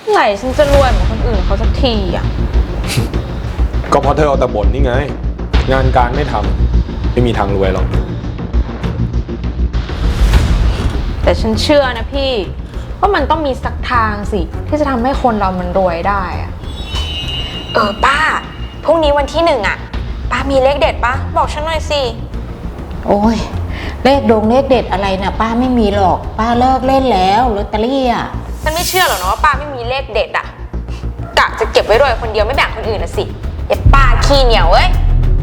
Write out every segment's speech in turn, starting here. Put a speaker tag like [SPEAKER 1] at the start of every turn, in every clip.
[SPEAKER 1] ไหนฉันจะรวยเหมือนคนอื่นเขาสักทีอ่ะ
[SPEAKER 2] ก็เพราะเธอเอาแต่บ่นนี่ไง งานการไม่ทำไม่มีทางรวยหรอก
[SPEAKER 1] แต่ฉันเชื่อนะพี่ว่ามันต้องมีสักทางสิที่จะทำให้คนเรามันรวยได้อะป้าพรุ่งนี้วันที่1อ่ะป้ามีเลขเด็ดปะบอกฉันหน่อยสิ
[SPEAKER 3] โอ้ยเลขเด็ดอะไรนะป้าไม่มีหรอกป้าเลิกเล่นแล้วลอตเตอรี่อ่ะ
[SPEAKER 1] ฉันไม่เชื่อหรอกนะว่าป้าไม่มีเลขเด็ดอ่ะกะจะเก็บไว้รวยคนเดียวไม่แบ่งคนอื่นนะสิอย่าป้าขี้เหนียวเว้ย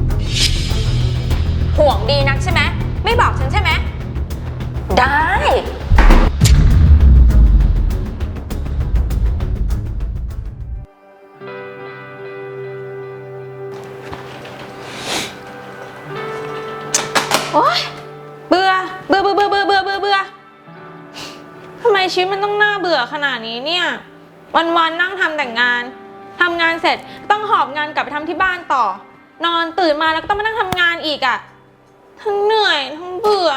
[SPEAKER 1] ห่วงดีนักใช่ไหมไม่บอกฉันใช่ไหมได้โอ๊ยเบื่อทำไมชีวิตมันต้องน่าเบื่อขนาดนี้เนี่ยวันๆนั่งทำแต่งานทำงานเสร็จต้องหอบงานกลับไปทำที่บ้านต่อนอนตื่นมาแล้วก็ต้องมานั่งทำงานอีกอะทั้งเหนื่อยทั้งเบื่อ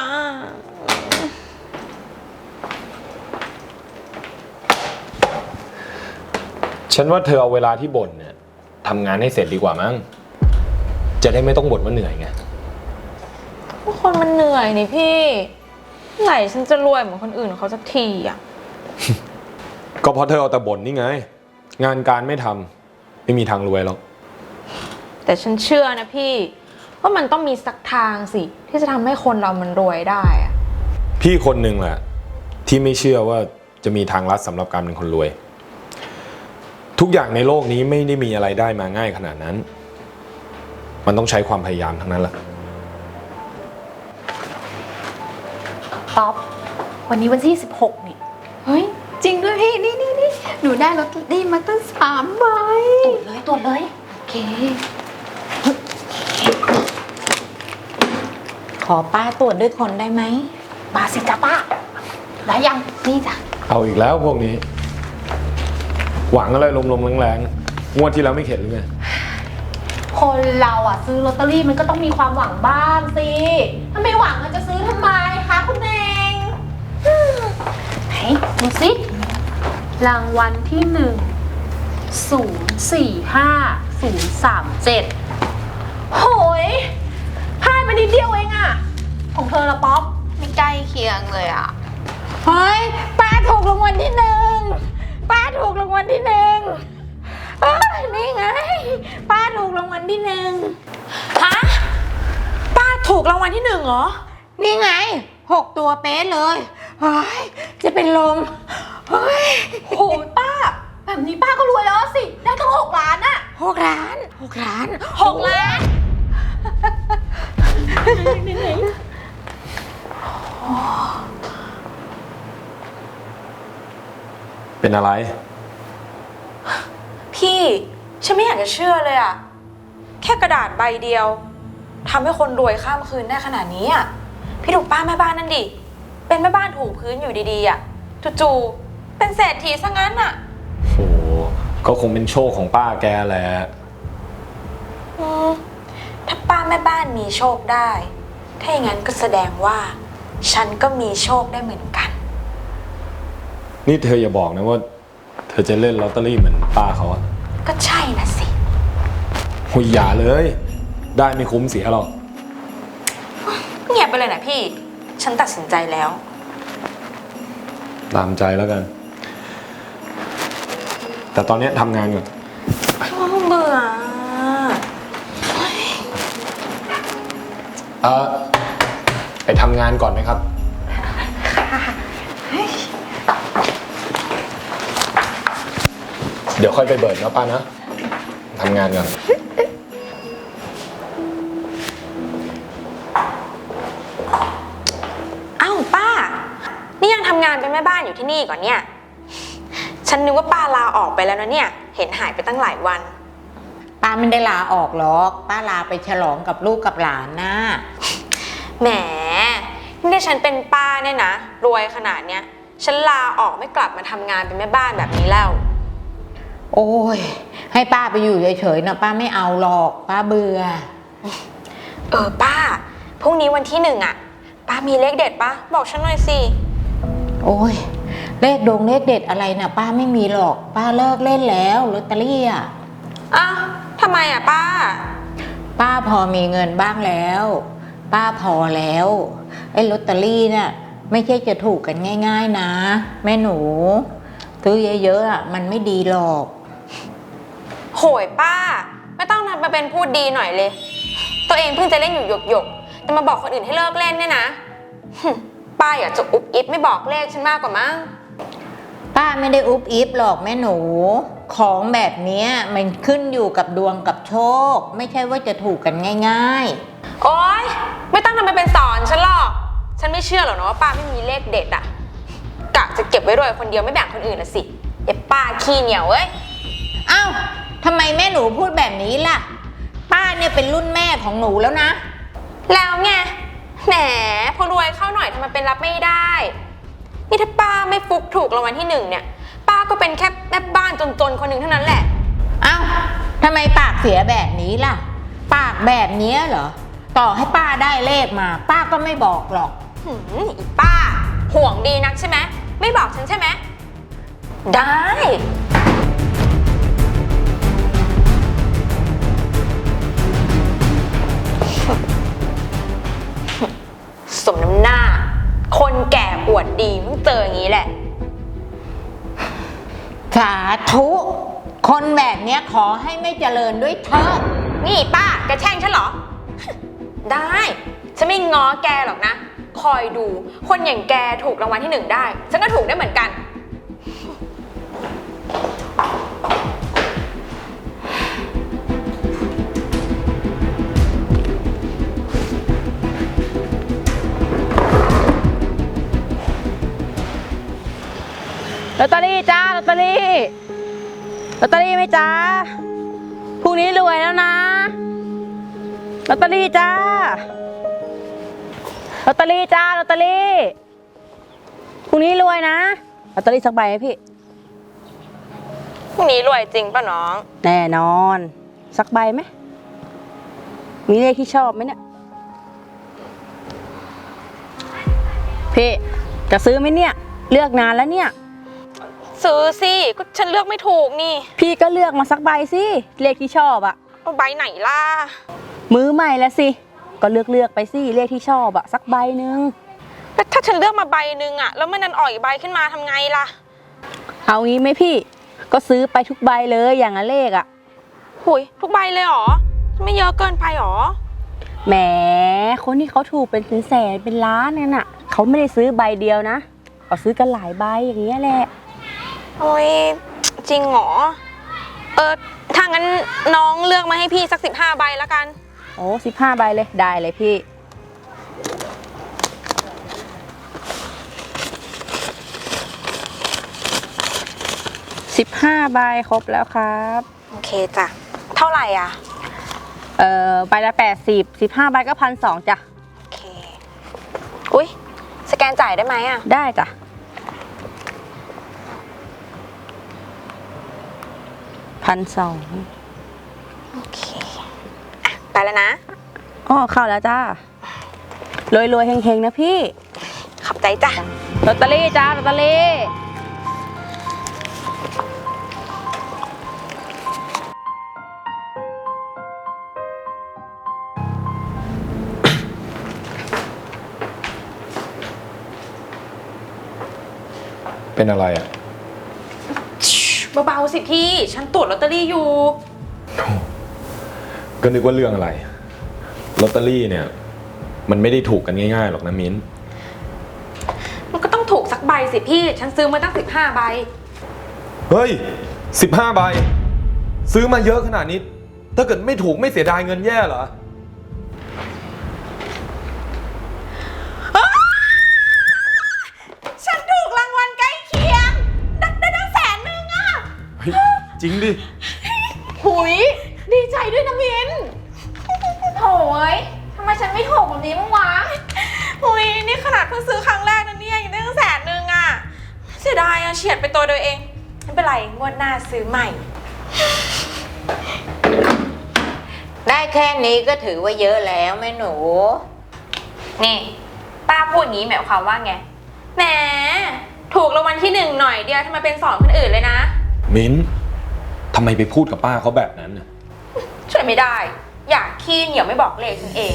[SPEAKER 2] ฉันว่าเธอเอาเวลาที่บ่นเนี่ยทำงานให้เสร็จดีกว่ามั้ง จะได้ไม่ต้องบ่นว่าเหนื่อยไง
[SPEAKER 1] พวกคนมันเหนื่อยนี่พี่ไหนฉันจะรวยเหมือนคนอื่นเขาสักทีอะ
[SPEAKER 2] ก็เพราะเธอเอาแต่บ่นนี่ไง งานการไม่ทำไม่มีทางรวยหรอก
[SPEAKER 1] แต่ฉันเชื่อนะพี่ว่ามันต้องมีสักทางสิที่จะทำให้คนเรามันรวยได้อะ
[SPEAKER 2] พี่คนหนึ่งแหละที่ไม่เชื่อว่าจะมีทางลัดสำหรับการเป็นคนรวย ทุกอย่างในโลกนี้ไม่ได้มีอะไรได้มาง่ายขนาดนั้น มันต้องใช้ความพยายามทั้งนั้นแหละ
[SPEAKER 4] ป๊อปวันนี้วันที่16นี่เฮ้ยจริงด้วยพี่นี่หนูได้ลอตเตอรี่มาตั้ง3 ใบตรวจเลยโอเค
[SPEAKER 3] ขอป้าตรวจด้วยคนได้ไหม
[SPEAKER 4] มาสิจ้าป้าได้ยังนี่จ้ะ
[SPEAKER 2] เอาอีกแล้วพวกนี้ หวังอะไรลมๆแรงๆงวดที่แล้วไม่เข็ดหรือไง
[SPEAKER 4] คนเราอ่ะซื้อลอตเตอรี่มันก็ต้องมีความหวังบ้างสิถ้าไม่หวังมันจะซื้อทำไมคะคุณเองไหนดูสิรางวัลที่1045037โหยพลาดไปนิดเดียวเองอะของเธอละป๊อปไม่ใกล้เคียงเลยอะ
[SPEAKER 3] เฮ้ยป้าถูกรางวัลที่1ป้าถูกรางวัลที่1นี่ไงป้าถูกรางวัลที่1
[SPEAKER 1] ฮะป้าถูกรางวัลที่1เหรอ
[SPEAKER 3] นี่ไง6 ตัวเป๊ะเลยเฮ้ยจะเป็นลมเฮ้ย
[SPEAKER 4] โหป้าแบบนี้ป้าก็รวยแล้วสิได้ตั้ง6 ล้านอะ
[SPEAKER 3] 6 ล้าน6 ล้าน
[SPEAKER 4] 6 ล้าน
[SPEAKER 2] เป็นอะไร
[SPEAKER 1] พี่ฉันไม่อยากจะเชื่อเลยอะแค่กระดาษใบเดียวทำให้คนรวยข้ามคืนได้ขนาดนี้อะพี่ดูป้าแม่บ้านนั่นดิเป็นแม่บ้านถูพื้นอยู่ดีๆอะจู่ๆเป็นเศรษฐีซะงั้นอะ
[SPEAKER 2] โอ้ก็คงเป็นโชคของป้าแกแหละ
[SPEAKER 1] ถ้าป้าแม่บ้านมีโชคได้ ถ้าอย่างนั้นก็แสดงว่า ฉันก็มีโชคได้เหมือนกัน
[SPEAKER 2] นี่เธออย่าบอกนะว่า เธอจะเล่นลอตเตอรี่เหมือนป้าเขาอะ
[SPEAKER 1] ก็ใช่นะสิ
[SPEAKER 2] หุยอย่าเลย ได้ไม่คุ้มเสียหรอก
[SPEAKER 1] เงียบไปเลยนะพี่ ฉันตัดสินใจแล้ว
[SPEAKER 2] ตามใจแล้วกัน แต่ตอนนี้ทำงานก่อน
[SPEAKER 1] เบื่อ
[SPEAKER 2] ไปทำงานก่อนไหมครับ เดี๋ยวค่อยไปเบิร์ดนะป้านะ ทำงานก่อน
[SPEAKER 1] อ้าวป้า นี่ยังทำงานเป็นแม่บ้านอยู่ที่นี่ก่อนเนี่ย ฉันนึกว่าป้าลาออกไปแล้วนะเนี่ย เห็นหายไปตั้งหลายวัน
[SPEAKER 3] ป้าไม่ได้ลาออกหรอกป้าลาไปฉลองกับลูกกับหลานนะ
[SPEAKER 1] แหมนี่ฉันเป็นป้าเนี่ยนะ รวยขนาดเนี้ย ฉันลาออกไม่กลับมาทำงานเป็นแม่บ้านแบบนี้แล้ว
[SPEAKER 3] โอ้ยให้ป้าไปอยู่เฉยๆนะป้าไม่เอาหรอกป้าเบื่อ
[SPEAKER 1] ป้าพรุ่งนี้วันที่1อ่ะ ป้ามีเลขเด็ดปะบอกฉันหน่อยสิ
[SPEAKER 3] โอ้ยเลขเด็ดอะไรน่ะป้าไม่มีหรอกป้าเลิกเล่นแล้วลอตเตอรี่อ่ะ
[SPEAKER 1] อ้าวทำไมอ่ะป้า
[SPEAKER 3] ป้าพอมีเงินบ้างแล้ว ป้าพอแล้วไอ้ลอตเตอรี่น่ะไม่ใช่จะถูกกันง่ายๆนะแม่หนูซื้อเยอะๆอ่ะมันไม่ดีหรอก
[SPEAKER 1] โหยป้า ไม่ต้องทำมาเป็นพูดดีหน่อยเลย ตัวเองเพิ่งจะเล่นอยู่หยกๆจะมาบอกคนอื่นให้เลิกเล่นเนี่ยนะ ป้าอยากจะอุบอิบไม่บอกเลขฉันมากกว่ามั้ง
[SPEAKER 3] ป้าไม่ได้อุบอิบหรอกแม่หนู ของแบบเนี้ยมันขึ้นอยู่กับดวงกับโชค ไม่ใช่ว่าจะถูกกันง่าย
[SPEAKER 1] โอ๊ยไม่ต้องทำมาเป็นสอนฉันหรอก ฉันไม่เชื่อหรอกนะว่าป้าไม่มีเลขเด็ดอะกะจะเก็บไว้รวยคนเดียวไม่แบ่งคนอื่นละสิอย่าป้าขี้เหนียวเอ้ย
[SPEAKER 3] ๆอ้าวทำไมแม่หนูพูดแบบนี้ล่ะ ป้าเนี่ยเป็นรุ่นแม่ของหนูแล้วนะ
[SPEAKER 1] แล้วไงแหมพอรวยเข้าหน่อยทำไมเป็นรับไม่ได้นี่ถ้าป้าไม่ฟุกถูกรางวัลที่ 1เนี่ยป้าก็เป็นแค่แม่บ้านจนๆคนหนึ่งเท่านั้นแหละ
[SPEAKER 3] อ้าวทำไมปากเสียแบบนี้ล่ะ ปากแบบเนี้ยเหรอ ต่อให้ป้าได้เลขมา ป้าก็ไม่บอกหรอก
[SPEAKER 1] อีป้าห่วงดีนักใช่ไหมไม่บอกฉันใช่ไหมได้ สมน้ำหน้า คนแก่อวดดีมึงเจออย่างนี้แหละ
[SPEAKER 3] สาธุ คนแบบเนี้ยขอให้ไม่เจริญด้วยเถิด
[SPEAKER 1] นี่ป้าแกแช่งฉันเหรอ ได้ ฉันไม่ง้อแกหรอกนะ คอยดู คนอย่างแกถูกรางวัลที่ 1ได้ ฉันก็ถูกได้เหมือนกัน
[SPEAKER 5] ลอตเตอรี่จ้าลอตเตอรี่ลอตเตอรี่ไหมจ้าพรุ่งนี้รวยแล้วนะลอตเตอรี่จ้าลอตเตอรี่จ้าลอตเตอรี่พรุ่งนี้รวยนะลอตเตอรี่สักใบไหมพี่
[SPEAKER 1] พรุ่งนี้รวยจริงป่ะน้อง
[SPEAKER 5] แน่นอนสักใบไหมมีเลขที่ชอบไหมเนี่ยพี่จะซื้อไหมเนี่ยเลือกนานแล้วเนี่ย
[SPEAKER 1] ซื้อสิก็ฉันเลือกไม่ถูกนี่
[SPEAKER 5] พี่ก็เลือกมาสักใบสิเลขที่ชอบอะ
[SPEAKER 1] เอาใบไหนล่ะ
[SPEAKER 5] มือใหม่แล้วสิก็เลือกไปสิเลขที่ชอบอะสักใบหนึ่ง
[SPEAKER 1] แล้วถ้าฉันเลือกมาใบหนึ่งอะแล้วมันนันอ่อยใบขึ้นมาทำไงล่ะ
[SPEAKER 5] เอางี้ไหมพี่ก็ซื้อไปทุกใบเลยอย่างละเลขอะ
[SPEAKER 1] หุยทุกใบเลยเหรอ ไม่เยอะเกินไปหรอ
[SPEAKER 5] แหมคนที่เขาถูกเป็นแสนเป็นล้านนั่นน่ะเขาไม่ได้ซื้อใบเดียวนะเขาซื้อกันหลายใบอย่างเงี้ยแหละ
[SPEAKER 1] โอ้ยจริงเหรอ ถ้างั้นน้องเลือกมาให้พี่สัก15ใบแล้วกัน
[SPEAKER 5] โอ้15ใบเลยได้เลยพี่15ใบครบแล้วครับ
[SPEAKER 1] โอเคจ้ะ เท่าไหร่อ่ะ
[SPEAKER 5] ใบละ80 15ใบก็1,200จ้ะ
[SPEAKER 1] โอเค อุ๊ย สแกนจ่ายได้ไหมอ่ะ
[SPEAKER 5] ได้จ้ะ1,200
[SPEAKER 1] โอเคอ่ะไปแล้วนะ
[SPEAKER 5] อ๋อเข้าแล้วจ้ารวยๆเฮงๆนะพี่
[SPEAKER 1] ขอบใจจ้ะ
[SPEAKER 5] ลอตเตอรี่จ้าลอตเตอรี่
[SPEAKER 2] เป็นอะไรอ่ะ
[SPEAKER 1] เบาๆสิพี่ ฉันตรวจลอตเตอรี่อยู่
[SPEAKER 2] ก็นึกว่าเรื่องอะไรลอตเตอรี่เนี่ย มันไม่ได้ถูกกันง่ายๆหรอกนะมิ้น
[SPEAKER 1] มันก็ต้องถูกสักใบสิพี่ ฉันซื้อมาตั้ง15ใบ
[SPEAKER 2] เฮ้ย15ใบซื้อมาเยอะขนาดนี้ ถ้าเกิดไม่ถูกไม่เสียดายเงินแย่เหรอ
[SPEAKER 1] ฉันถูกรางวัลใกล้เคียง ได้ตั้ง100,000อ่ะ
[SPEAKER 2] เฮ้ยจริงดิ
[SPEAKER 4] หุยดีใจด้วยนะมินโถยทำไมฉันไม่ถูกแบบนี้บ้างวะ
[SPEAKER 1] อุ้ยนี่ขนาดเพิ่งซื้อครั้งแรกนะเนี่ยยังได้ตั้ง100,000อ่ะ เสียดายอ่ะเฉียดไปตัวเดียวเอง ไม่เป็นไร งวดหน้าซื้อใหม่
[SPEAKER 3] ได้แค่นี้ก็ถือว่าเยอะแล้วแม่หนู
[SPEAKER 1] นี่ ป้าพูดอย่างนี้หมายความว่าไง แหมถูกรางวัลที่1หน่อยเดียวทำไมเป็น2คนอื่นเลยนะ
[SPEAKER 2] มิ้นทำไมไปพูดกับป้าเขาแบบนั้นน่ะ
[SPEAKER 1] ช่วยไม่ได้ อยากขี้เหนียวไม่บอกเลขฉันเอง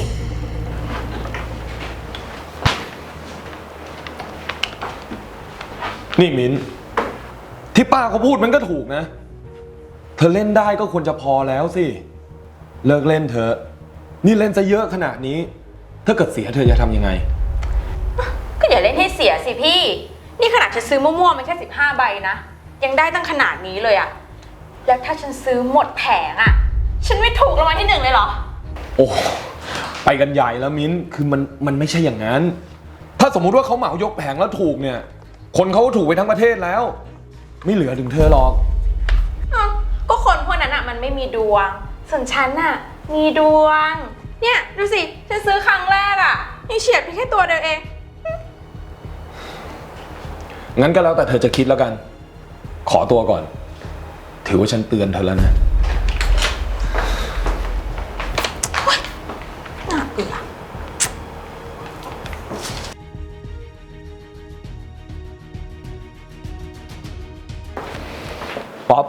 [SPEAKER 2] นี่มิ้นที่ป้าเขาพูดมันก็ถูกนะ เธอเล่นได้ก็ควรจะพอแล้วสิ เลิกเล่นเถอะ นี่เล่นซะเยอะขนาดนี้ ถ้าเกิดเสียเธอจะทำยังไง
[SPEAKER 1] ก็อย่าเล่นให้เสียสิพี่ นี่ขนาดฉันซื้อมั่วๆมันแค่15 ใบนะ ยังได้ตั้งขนาดนี้เลยอะแล้วถ้าฉันซื้อหมดแผงอะฉันไม่ถูกรางวัลที่1เลยเหรอ
[SPEAKER 2] โอ้ไปกันใหญ่แล้วมิ้นคือมันไม่ใช่อย่างนั้น ถ้าสมมุติว่าเขาเหมายกแผงแล้วถูกเนี่ย คนเขาก็ถูกไปทั้งประเทศแล้ว ไม่เหลือถึงเธอหรอก
[SPEAKER 1] อ้าวก็คนพวกนั้นอะมันไม่มีดวง ส่วนฉันอะมีดวง เนี่ยดูสิ ฉันซื้อครั้งแรกอะยังเฉียดไปแค่ตัวเดียวเอง
[SPEAKER 2] งั้นก็แล้วแต่เธอจะคิดแล้วกัน ขอตัวก่อน ถือว่าฉันเตือนเธอแล้วนะ
[SPEAKER 1] น่าเบื่อ
[SPEAKER 2] ป๊อป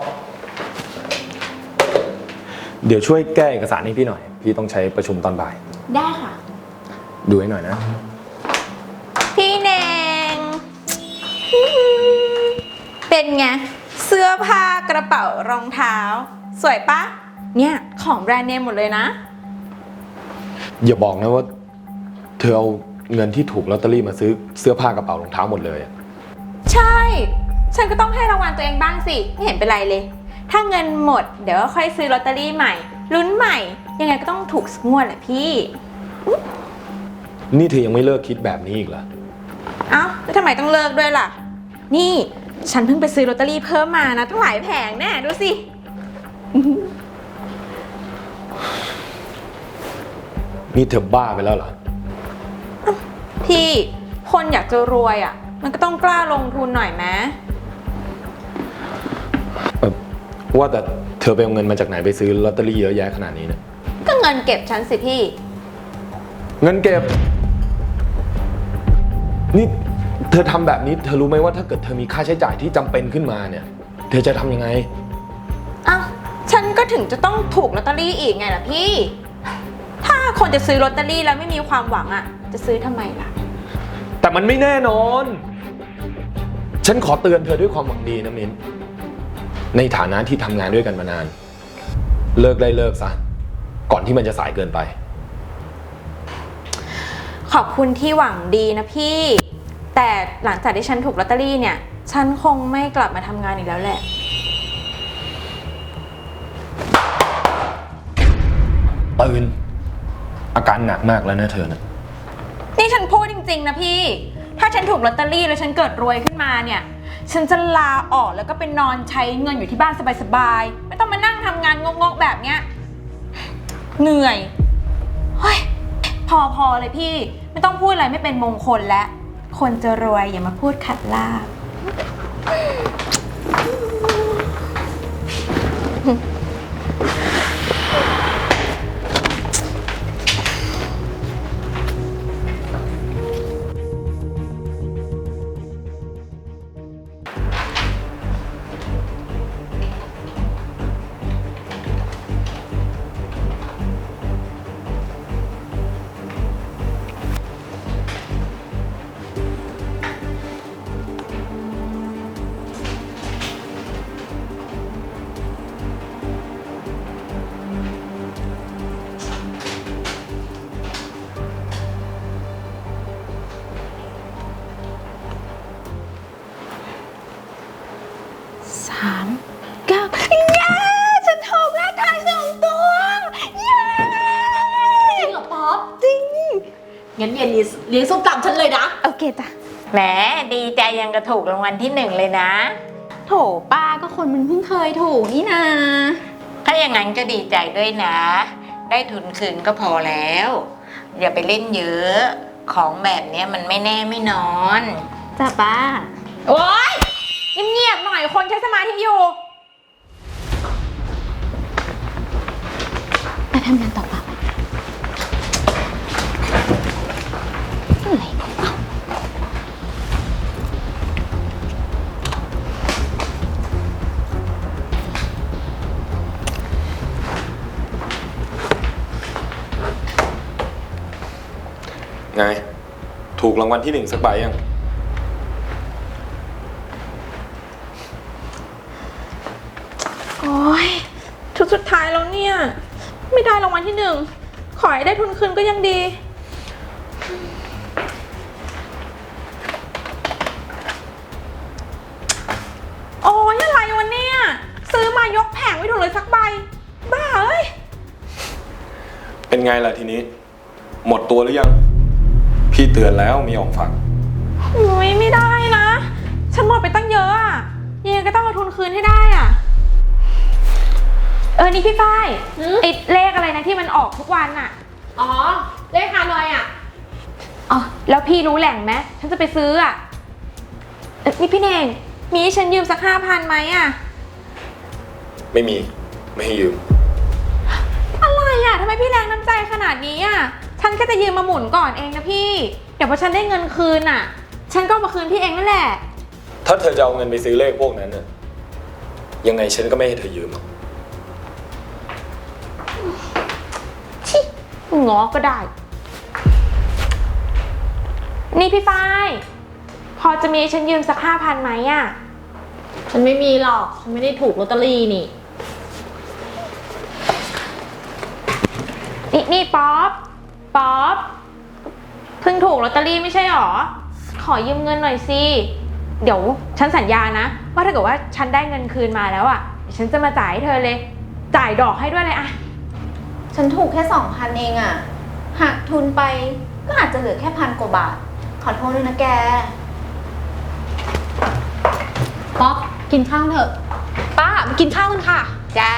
[SPEAKER 2] เดี๋ยวช่วยแก้เอกสารให้พี่หน่อย พี่ต้องใช้ประชุมตอนบ่าย
[SPEAKER 4] ได้ค่ะ
[SPEAKER 2] ดูให้หน่อยนะ
[SPEAKER 1] พี่เนงเป็นไง เสื้อผ้ากระเป๋ารองเท้า สวยปะ เนี่ย ของแบรนด์เนมหมดเลยนะ
[SPEAKER 2] อย่าบอกนะว่า เธอเอาเงินที่ถูกลอตเตอรี่มาซื้อเสื้อผ้ากระเป๋ารองเท้าหมดเลยอะ
[SPEAKER 1] ใช่ ฉันก็ต้องให้รางวัลตัวเองบ้างสิ ไม่เห็นเป็นไรเลย ถ้าเงินหมด เดี๋ยวก็ค่อยซื้อลอตเตอรี่ใหม่ ลุ้นใหม่ ยังไงก็ต้องถูกสักงวดแหละพี่
[SPEAKER 2] นี่เธอยังไม่เลิกคิดแบบนี้อีกเหรอ
[SPEAKER 1] เอ้าแล้วทำไมต้องเลิกด้วยล่ะ นี่ ฉันเพิ่งไปซื้อลอตเตอรี่เพิ่มมานะตั้งหลายแผงแน่ดูสิ
[SPEAKER 2] นี่เธอบ้าไปแล้วเหรอ
[SPEAKER 1] พี่ คนอยากจะรวยอ่ะ มันก็ต้องกล้าลงทุนหน่อยไหม
[SPEAKER 2] ว่าแต่เธอไปเอาเงินมาจากไหนไปซื้อลอตเตอรี่เยอะแยะขนาดนี้เนี่ย
[SPEAKER 1] ก็เงินเก็บฉันสิพี่
[SPEAKER 2] เงินเก็บ นี่เธอทำแบบนี้เธอรู้ไหมว่าถ้าเกิดเธอมีค่าใช้จ่ายที่จำเป็นขึ้นมาเนี่ย เธอจะทำยังไง
[SPEAKER 1] อ้าวฉันก็ถึงจะต้องถูกลอตเตอรี่อีกไงล่ะพี่ ถ้าคนจะซื้อลอตเตอรี่แล้วไม่มีความหวังอ่ะ จะซื้อทำไมล่ะ
[SPEAKER 2] แต่มันไม่แน่นอน ฉันขอเตือนเธอด้วยความหวังดีนะมิ้น ในฐานะที่ทำงานด้วยกันมานาน เลิกได้เลิกซะ ก่อนที่มันจะสายเกินไป
[SPEAKER 1] ขอบคุณที่หวังดีนะพี่ แต่หลังจากที่ฉันถูกลอตเตอรี่เนี่ย ฉันคงไม่กลับมาทำงานอีกแล้วแหละ
[SPEAKER 2] ตื่น อาการหนักมากแล้วนะเธอนะ
[SPEAKER 1] นี่ฉันพูดจริงๆนะพี่ ถ้าฉันถูกลอตเตอรี่แล้วฉันเกิดรวยขึ้นมาเนี่ย ฉันจะลาออกแล้วก็ไปนอนใช้เงินอยู่ที่บ้านสบายๆ ไม่ต้องมานั่งทำงานงกๆแบบเนี้ย เหนื่อย เฮ้ย พอเลยพี่ ไม่ต้องพูดอะไรไม่เป็นมงคลแล้ว คนจะรวยอย่ามาพูดขัดลาบ 3 9เย้ฉันถูกเลขท้าย2 ตัว เย้
[SPEAKER 4] จริงเหรอป๊อป
[SPEAKER 1] จริง
[SPEAKER 4] งั้นเย็นนี้เลี้ยงส้มตำฉันเลยนะ
[SPEAKER 1] โอเคจ้ะ
[SPEAKER 3] แหมดีใจยังกระถูกรางวัลที่1เลยนะ
[SPEAKER 4] โถป้าก็คนมันเพิ่งเคยถูกนี่นา
[SPEAKER 3] ถ้าอย่างนั้นก็ดีใจด้วยนะ ได้ทุนคืนก็พอแล้ว อย่าไปเล่นเยอะ ของแบบเนี้ยมันไม่แน่ไม่นอน
[SPEAKER 4] จ้าป้า
[SPEAKER 1] โอ๊ยเงียบๆหน่อยคนใช้สมาธิอยู่
[SPEAKER 4] ไปทำงานต่อป่ะอะไรของเรา
[SPEAKER 2] ไง ถูกรางวัลที่ 1สักใบยัง
[SPEAKER 1] โอ้ยชุดสุดท้ายแล้วเนี่ย ไม่ได้รางวัลที่ 1 ขอให้ได้ทุนคืนก็ยังดี โอ้ยอะไรวะเนี่ย ซื้อมายกแผงไม่ถูกเลยสักใบ บ้าเอ้ย
[SPEAKER 2] เป็นไงล่ะทีนี้ หมดตัวหรือยัง พี่เตือนแล้วมีออกฝัก
[SPEAKER 1] อุ้ยไม่ได้นะ ฉันหมดไปตั้งเยอะอะยังไงก็ต้องเอาทุนคืนให้ได้อะนี่พี่ฝ้ายไอ้เลขอะไรนะที่มันออกทุกวันอะ
[SPEAKER 4] อ๋อ เลขฮานอยอ่ะ
[SPEAKER 1] อ๋อแล้วพี่รู้แหล่งไหมฉันจะไปซื้ออะนี่พี่เน่งมีให้ฉันยืมสัก5,000ไหมอะ
[SPEAKER 2] ไม่มี ไม่ให้ยืม
[SPEAKER 1] อะไรอะทำไมพี่แรงน้ำใจขนาดนี้อะฉันแค่จะยืมมาหมุนก่อนเองนะพี่ เดี๋ยวพอฉันได้เงินคืนอะฉันก็เอามาคืนพี่เองนั่นแหละ
[SPEAKER 2] ถ้าเธอจะเอาเงินไปซื้อเลขพวกนั้นน่ะยังไงฉันก็ไม่ให้เธอยืมหรอก
[SPEAKER 1] ง้อก็ได้ นี่พี่ฝ้ายพอจะมีให้ฉันยืมสัก5,000ไหมอะ
[SPEAKER 4] ฉันไม่มีหรอก ฉันไม่ได้ถูกลอตเตอรี่นี่
[SPEAKER 1] นี่ป๊อปเพิ่งถูกลอตเตอรี่ไม่ใช่หรอ ขอยืมเงินหน่อยสิ เดี๋ยวฉันสัญญานะว่าถ้าเกิดว่าฉันได้เงินคืนมาแล้วอะเดี๋ยวฉันจะมาจ่ายให้เธอเลย จ่ายดอกให้ด้วยเลยอะ
[SPEAKER 4] ฉันถูกแค่ 2,000 เองอ่ะ หักทุนไปก็อาจจะเหลือแค่1,000 กว่าบาท ขอโทษด้วยนะแก ป๊อปกินข้าวเถอะ ป้ามากินข้าวกันค่ะ
[SPEAKER 3] จ้า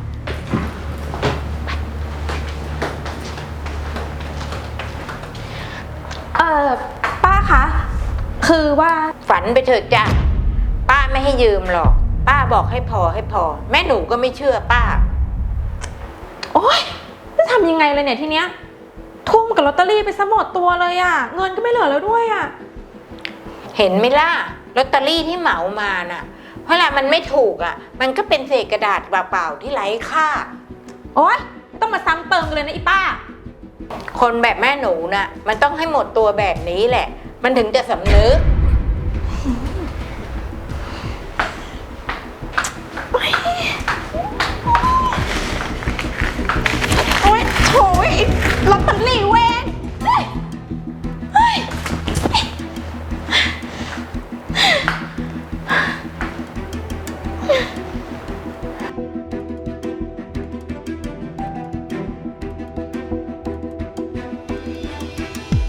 [SPEAKER 1] ป้าคะคือว่า
[SPEAKER 3] ฝันไปเถิดจ้ะป้าไม่ให้ยืมหรอก ป้าบอกให้พอ แม่หนูก็ไม่เชื่อป้า
[SPEAKER 1] โอ๊ยจะทำยังไงเลยเนี่ยทีเนี้ยทุ่มกับลอตเตอรี่ไปซะหมดตัวเลยอะเงินก็ไม่เหลือแล้วด้วยอะ
[SPEAKER 3] เห็นไหมล่ะลอตเตอรี่ที่เหมามาน่ะเวลามันไม่ถูกอ่ะ มันก็เป็นเศษกระดาษเปล่าๆที่ไร้ค่า
[SPEAKER 1] โอ๊ยต้องมาซ้ำเติมกันเลยนะอีป้า
[SPEAKER 3] คนแบบแม่หนูน่ะ มันต้องให้หมดตัวแบบนี้แหละ มันถึงจะสำนึก